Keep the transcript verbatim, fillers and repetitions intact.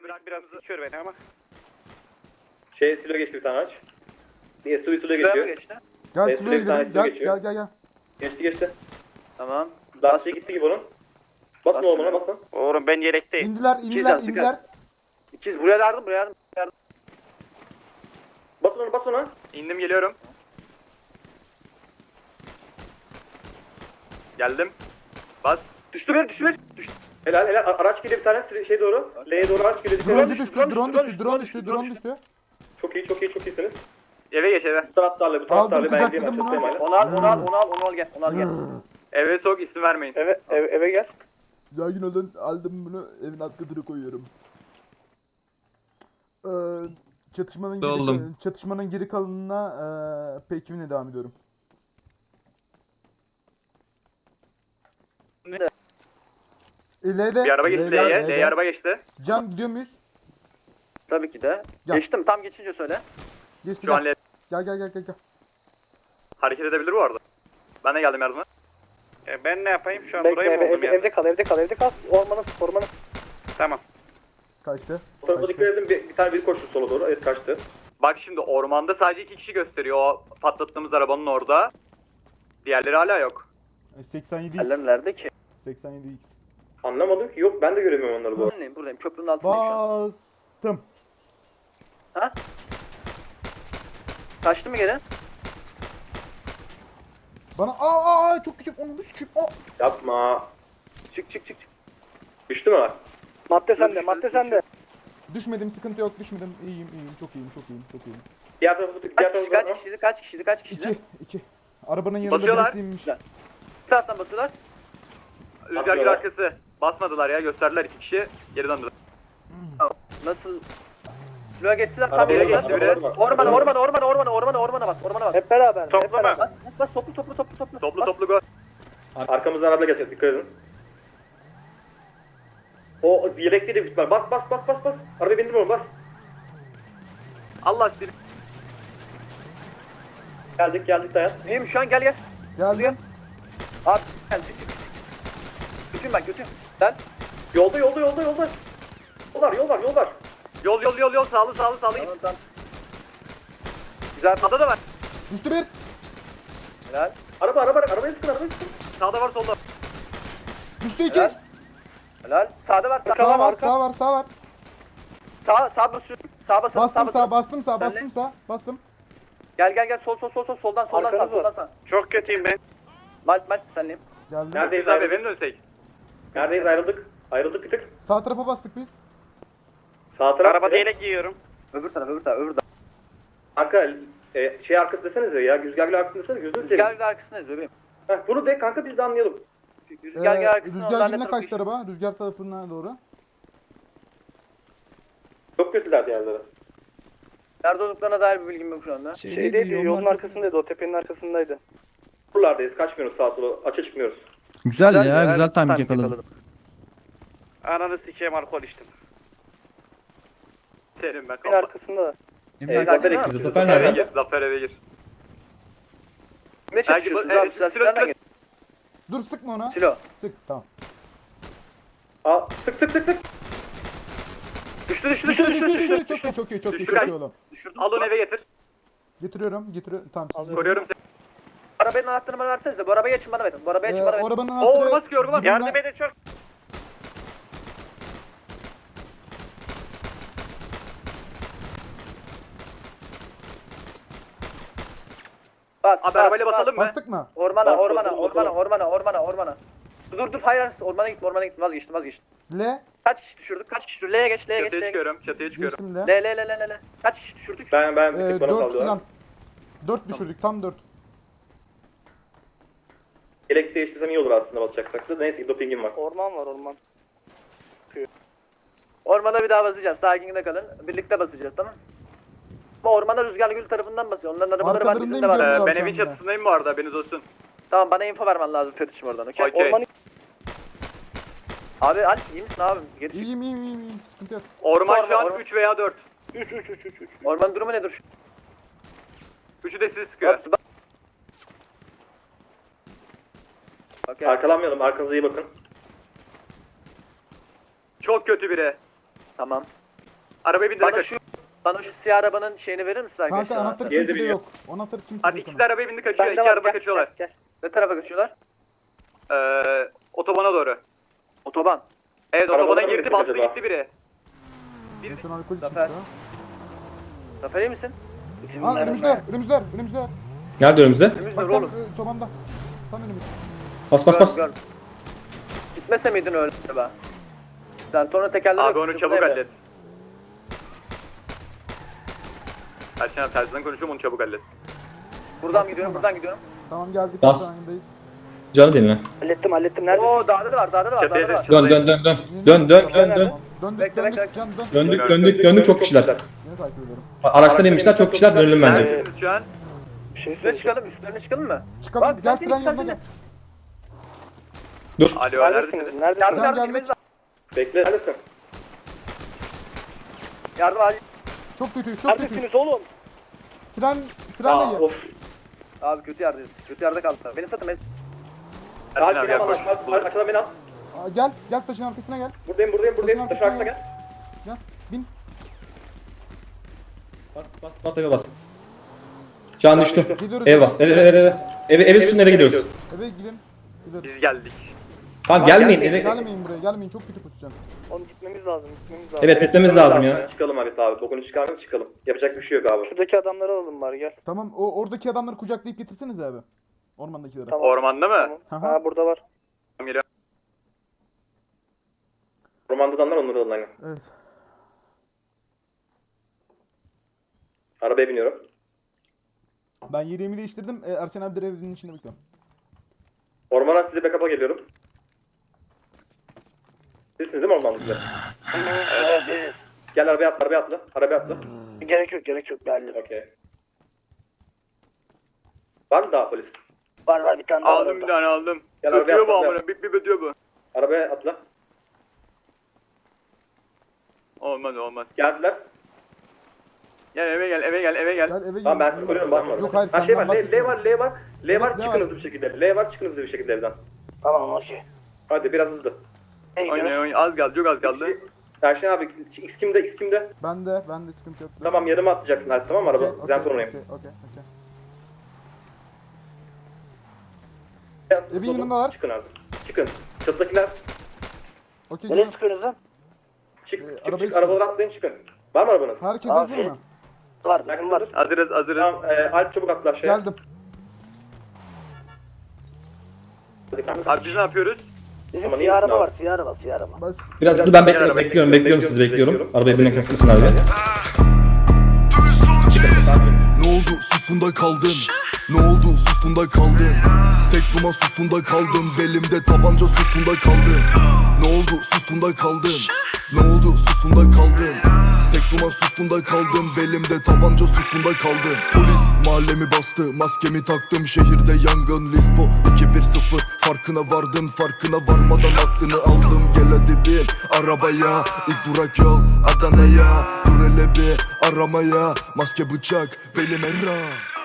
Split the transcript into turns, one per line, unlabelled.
bırak biraz sıkıyor beni ama.
Şey silo geçti bir tane aç. Bir S U V silo
Şuraya mı
geçiyor.
geçti?
Gel
Evet,
Silo'ya
sürekli tane
gidelim. Gel
geçiyor.
gel gel gel.
Geçti geçti.
Tamam.
Lastiği gitti gibi onun. Basın oğlum ona basın.
Oğlum ben yelekteyim.
İndiler indiler
İkiz,
indiler.
İkiz buraya yardım buraya yardım. yardım.
Basın onu basın ona.
İndim geliyorum. Geldim. Bas. Düştü bir düştü bir. Düştü.
Helal helal. A- Araç geliyor bir tane şey doğru. L'ye doğru araç geliyor.
Drone
Drone
düştü, drone düştü, drone düştü, drone düştü.
Çok iyi çok iyi çok iyisiniz.
Eve geç eve.
Bu taraftarlı bu taraftarlı.
Aldım,
Ben
kucakladım
diyeyim,
bunu.
çok sevmem.
Onu al onu al onu al onu al gel. Onu al gel. Eve sok isim vermeyin. Eve eve, eve gel.
Sakin olun, aldım bunu evin alt katına koyuyorum. Ee, çatışmanın geri,
Doldum.
çatışmanın geri kalanına ee, Pekim'le devam ediyorum. L'de,
Bir araba geçti
L'de,
L'ye.
L'de.
L'ye araba geçti.
Can gidiyor muyuz?
Tabii ki de.
Gel.
Geçtim tam geçince söyle.
Geçti
Şu an
gel.
L
Gel gel gel gel. gel.
hareket edebilir bu arada. Ben de geldim yardıma.
E ben ne yapayım şu an
Bekle,
burayı mı
eve-
buldum ya?
evde kal evde kal evde kal. Ormanın ormanın.
Tamam.
Kaçtı.
O tarafa dikkat
Kaçtı.
edin. Bir, bir tane bir koştu sola doğru. Evet kaçtı.
Bak şimdi ormanda sadece iki kişi gösteriyor o patlattığımız arabanın orada. Diğerleri hala yok.
E, seksen yedi X.
nerede ki?
seksen yedi X.
Anlamadım ki. Yok ben de göremiyorum onları bu arada.
Buradayım buradayım köprünün altındayım şu an.
Bastım.
Ha? Kaçtı mı geri?
Bana aa aa çok kötü. Onu sikeyim. Aa.
Yapma.
Çık çık çık. çık.
Düştü mü?
Madde sende madde sende.
Düşmedim, sıkıntı yok, düşmedim. İyiyim, iyiyim, çok iyiyim, çok iyiyim, çok iyiyim.
Diğer tarafı diğer
Kaç
tarafı
kişi kaç kişiydi kaç kişiydi kaç kişiydi?
İki, iki. Arabanın yanında
Basıyorlar.
birisiymiş.
Güzel. Bir taraftan basıyorlar. Rüzgar gül
Basıyorlar.
arkası. Basmadılar ya gösterdiler iki kişi. Geri döndüler. Nasıl? Şuraya geçtiler tam
Arabaya
yere
bak,
geçti biri.
arabaya bak.
Ormana ormana ormana ormana ormana ormana bak ormana bak. Hep beraber.
Toplu mu?
Bas bas bas toplu toplu toplu toplu.
Toplu
Bas.
toplu gol.
Arkamızdan araba gelecek. Dikkat edin. O yelekli de bitmez. Bas bas bas bas bas. Arabaya bindim onu bas.
Allah aşkına.
Geldik geldik dayan.
İyiyim şu an gel gel.
Geldim.
Abi gel. çık, çık. Götürün ben götürün. Sen.
Yolda yolda yolda yolda. Yol var yol var yol var.
Yol yol yol yol sağlı sağlı sağlı git. Tamam, güzel sağda da var.
Düştü bir.
Helal.
Araba araba arabaya sıkın arabaya sıkın.
Sağda var solda.
Düştü iki.
Helal. Helal. Sağda var.
Sağ var, sağ var, sağ var.
Sağ sağ basıyorum. Sağ basıyorum.
Bastım
sağ
sağ, bastım sağ,
Sen de.
bastım sağ, bastım.
Gel gel gel sol sol sol sol soldan soldan sağ
Arkanız var.
soldan sağ.
Çok kötüyüm ben.
Maç maç senleyim.
Geldim.
Neredeyiz
Abi
abi?
benim dönsek.
Neredeyiz ayrıldık? Ayrıldık bir tık.
Sağ tarafa bastık biz.
Sağ taraf.
Arabada
direkt-
yelek giyiyorum.
Öbür taraf öbür taraf öbür taraf.
Kanka e, şey arkası desenize ya. Rüzgarlı arkası desenize. Gözünü seveyim.
Rüzgar bir arkasındayız bebeğim.
Heh, bunu de kanka biz de anlayalım.
Rüzgar
Ee,
bir arkasında.
Rüzgar
onlar ne
gününe
tarafı
kaçtı araba. Rüzgar tarafına doğru.
Çok kötüler diğerleri.
Nerede olduklarına dair bir bilgim yok şu anda.
Şeydeydi yolun arkasındaydı o tepenin arkasındaydı.
Buralardayız. Kaçmıyoruz sağa sola. Açığa çıkmıyoruz.
Güzel, ya,
ya,
güzel
tam
timing yakaladım.
Ananı sikeyim alkol içtim.
Senin ben
Tepenin
kalma.
arkasında da.
Ee, Zafer ekibisi.
Zafer
Zafer
nerede?
Eve
ekibisi.
gir. Zafer eve gir.
Ne
Belki bu-
çekiyorsunuz
evet,
abi
silo-
silahlarla
silo-
gel.
Dur sıkma ona.
Silo.
Sık, tamam.
Aa, sık sık sık sık.
Düştü düştü
Düştü,
düştü
düştü,
düştü
düştü.
düştü.
Çok iyi, çok iyi, çok iyi,
Düştü,
çok
kaç.
iyi oğlum.
Düşürdüm. Al onu eve getir.
Getiriyorum, getiriyorum. Tamam, siz getirin.
Koruyorum seni. Arabanın anahtarını bana versenize. Bu arabayı açın bana verin. Bu arabayı açın
Ee,
bana verin.
o arabanın
Oo
anahtarı...
orma sıkıyor orma.
dibinde-
Yardım edin çok.
Bak abi arabayla basalım mı?
Bastık mı?
Ormana
Bas,
ormana
basalım,
ormana
basalım.
ormana ormana ormana. Dur dur hayır ormana git ormana git vazgeçtim vazgeçtim.
L.
Kaç kişi düşürdük? Kaç kişi düşürdük? L'ye geç L'ye geç
Çatıya
L'ye geç.
çıkıyorum, çatıya çıkıyorum.
Geçtim
L
L.
L L L L. Kaç kişi düşürdük?
Ben ben bir
Ee,
tık bana
dört
sallıyorlar.
falan. Dört düşürdük, tam dört.
Yelek değiştirsem iyi olur aslında basacaksak da. Neyse ki dopingim var.
Orman var orman.
Ormana bir daha basacağız. Sakinlikte kalın. Birlikte basacağız tamam. Ama ormana Rüzgarlı Gül tarafından basıyor. Onların arabaları var.
Arkalarındayım,
Bizim de var.
görüyorlar
Ee,
şu
ben evin
anda.
çatısındayım bu arada, haberiniz olsun.
Tamam bana info vermen lazım Fetiş'im oradan. Okey.
Okey.
Ormanı... Abi Alp iyi misin abi? Geri çık.
İyiyim, iyiyim, iyiyim, iyiyim. Sıkıntı yok.
Orman şu
Orman,
an
orman.
üç veya dört.
üç üç üç üç üç.
Ormanın durumu nedir?
Üçü de sizi sıkıyor.
Bak, bak. Okey.
Arkalanmayalım. Arkanıza iyi bakın.
Çok kötü biri.
Tamam.
Arabaya bindirerek
Bana
kaçıyor.
şu, bana şu siyah arabanın şeyini verir misin arkadaşlar?
Kanka anahtar
Diğeri de
kimsede
biliyor.
yok. Anahtar kimsede
Hadi
yok.
ikisi de arabaya bindi kaçıyor.
Bende
İki
var,
araba
gel,
kaçıyorlar.
Gel, gel.
Ne tarafa kaçıyorlar?
Ee, otobana doğru.
Otoban.
Evet
Arabalara
otobana
mı
girdi
gittik
bastı
acaba?
gitti biri.
En son alkol içmişti
Zafer.
ha.
Zafer iyi misin?
Aa önümüzdeler, önümüzdeler, önümüzdeler.
Nerede önümüzde?
Önümüzde
Bak
dur
tam
oğlum.
e, tobanda. Tam önümüz.
Bas bas bas.
Gör, gör. Gitmese miydin öyle be? Sen sonra tekerleri
Abi
yok,
onu
sıkıntı
çabuk
evde.
hallet. Erşen abi tersiden konuşuyorum onu çabuk hallet.
Buradan gidiyorum, buradan gidiyorum.
Tamam geldik.
Bas.
Sahnedeyiz.
Canı dinle.
Hallettim hallettim. Nerede?
Oo dağda da var, dağda da var,
Çatıya
dağda da var.
Dön dön dön dön. Dön dön dön dön.
Döndük,
Bekle,
döndük,
bekle.
can dön.
Döndük döndük döndük çok kişiler.
Yine takip ediyorum.
Araçtan inmişler çok kişiler dönelim bence.
Neredesiniz şu an?
Bir şey
Üstüne
söyleyeceğim.
çıkalım, üstlerine çıkalım mı?
Çıkalım,
Bak,
gel
sen
tren
seni
yanına gel.
Dur.
Alo
Neredesiniz?
neredesiniz?
Neredesiniz?
Yardım,
Can
yardım,
geldik.
gitmemiz lazım.
Bekle. Neredesin?
Yardım acil.
Çok kötüyüz, çok kötüyüz.
Neredesiniz oğlum?
Tren,
Aa,
trenle gel.
of.
Abi kötü yerdeyiz, kötü yerde kaldılar. Beni satın, beni.
Erşen
Abi
abi
beni al.
yaklaş.
Ar- Arkadan beni al.
Aa, gel, gel taşın arkasına gel.
Buradayım buradayım buradayım.
Taşın
Taşın arkasına
arkasına
gel.
Gel, bin.
Bas bas bas eve bas. Can düştü.
Gidiyoruz.
Eve bas. Eve eve eve. Eve eve üstüne eve gidiyoruz.
Eve gidin. Gideriz.
Biz geldik.
Tamam gelmeyin eve.
Gelmeyin buraya, gelmeyin. Çok kötü pozisyon.
Oğlum gitmemiz lazım. Gitmemiz lazım.
Evet gitmemiz lazım ya.
Çıkalım abi abi. Bokunu çıkarmayalım çıkalım. Yapacak bir şey yok abi.
Şuradaki adamları alalım bari gel.
Tamam, o oradaki adamları kucaklayıp getirsenize abi. Ormandakileri.
Tamam.
Ormanda mı?
Tamam.
Aha.
Ha burada var.
Tamam geliyorum.
Romanda adamlar onları alın aynen.
Evet.
Arabaya biniyorum.
Ben yerimi değiştirdim. E, Ersen abi de evinin içinde bekliyorum.
Ormana size backup'a geliyorum. Sizsiniz değil mi ormanda size?
Evet.
Gel arabaya atla, arabaya atla. Arabaya atla.
Gerek yok gerek yok. Geldim.
Okey. Var mı daha polis?
Var var bir tane daha var
Aldım bir
orada.
tane aldım.
Gel arabaya
Ötüyor bu
atla.
amına. Bir bir ötüyor bu.
Arabaya atla.
Olmaz olmaz.
Geldiler.
Gel eve gel eve gel eve gel.
Gel eve
Tamam ben
gel.
sizi koruyorum bakma.
Yok hayır
Ha, şey var,
senden
L, L
bahsetmiyorum.
var, L var. L var,
Evet, ne
çıkın
var?
hızlı bir şekilde. L var, çıkın hızlı bir şekilde evden.
Tamam okey.
Hadi biraz hızlı.
Hey,
Oynay
gel.
oynay. Az kaldı çok az kaldı.
Erşen abi, X kimde, X kimde?
Ben de, ben de sıkıntı yok.
Tamam yarıma atlayacaksın artık tamam mı araba?
Okey,
Güzel
okey,
sorunayım.
okey, okey, okey. Evin yanındalar.
Çıkın abi. Çıkın. Çatıdakiler
Okey,
Nereye
gel.
çıkıyorsunuz lan?
çık,
Ee,
çık,
arabayı
çık. Arabalara atlayın çıkın. Var mı arabanız?
Herkes
Abi.
hazır mı?
Var bizim var.
Hazırız hazırız.
Tamam, e, Alp çabuk atla aşağıya.
Geldim.
Abi biz ne yapıyoruz?
Bizim
Ama
siyah
niye
araba
abi?
var siyah araba siyah araba.
Bas.
Biraz hızlı ben bekliyorum
Arabaya
bekliyorum
bekliyorum,
bekliyorum sizi
bekliyorum,
bekliyorum.
bekliyorum.
Arabayı birine kasmasınlar abi.
Ne oldu sustun da kaldın? Ne oldu sustun da kaldın? Tek duman sustun da kaldın. Belimde tabanca sustun da kaldın. Ne oldu sustun da kaldın? Ne oldu sustun da kaldın? Tek duman sustun da kaldın. Belimde tabanca sustun da kaldın. Polis mahallemi bastı, maskemi taktım. Şehirde yangın, Lisbo iki bir sıfır. Farkına vardın, farkına varmadan aklını aldım. Gel hadi bin arabaya, ilk durak yol Adana'ya. Dur hele bir aramaya, maske bıçak belime ra.